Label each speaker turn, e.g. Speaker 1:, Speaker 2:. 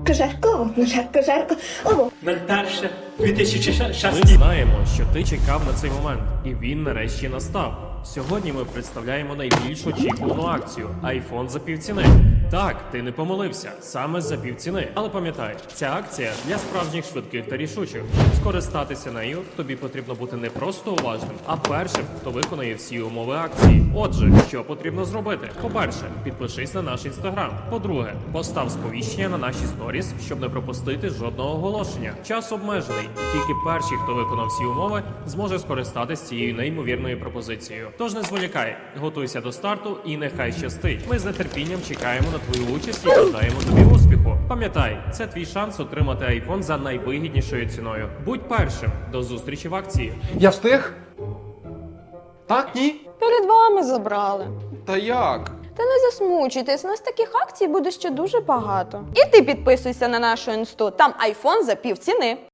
Speaker 1: жарко. Ого.
Speaker 2: 01.2016.
Speaker 3: Ми знаємо, що ти чекав на цей момент, і він нарешті настав. Сьогодні ми представляємо найбільш очікувану акцію – iPhone за півціни. Так, ти не помилився, саме за півціни. Але пам'ятай, ця акція для справжніх швидких та рішучих. Щоб скористатися нею, тобі потрібно бути не просто уважним, а першим, хто виконає всі умови акції. Отже, що потрібно зробити? По-перше, підпишись на наш інстаграм. По-друге, постав сповіщення на наші сторіс, щоб не пропустити жодного оголошення. Час обмежений, і тільки перший, хто виконав всі умови, зможе скористатися цією неймовірною пропозицією. Тож не зволікай, готуйся до старту і нехай щастить. Ми з нетерпінням чекаємо на твою участь і бажаємо тобі успіху. Пам'ятай, це твій шанс отримати iPhone за найвигіднішою ціною. Будь першим. До зустрічі в акції.
Speaker 4: Я встиг? Так, ні?
Speaker 5: Перед вами забрали.
Speaker 4: Та як?
Speaker 5: Та не засмучуйтесь, у нас таких акцій буде ще дуже багато. І ти підписуйся на нашу інсту, там iPhone за півціни.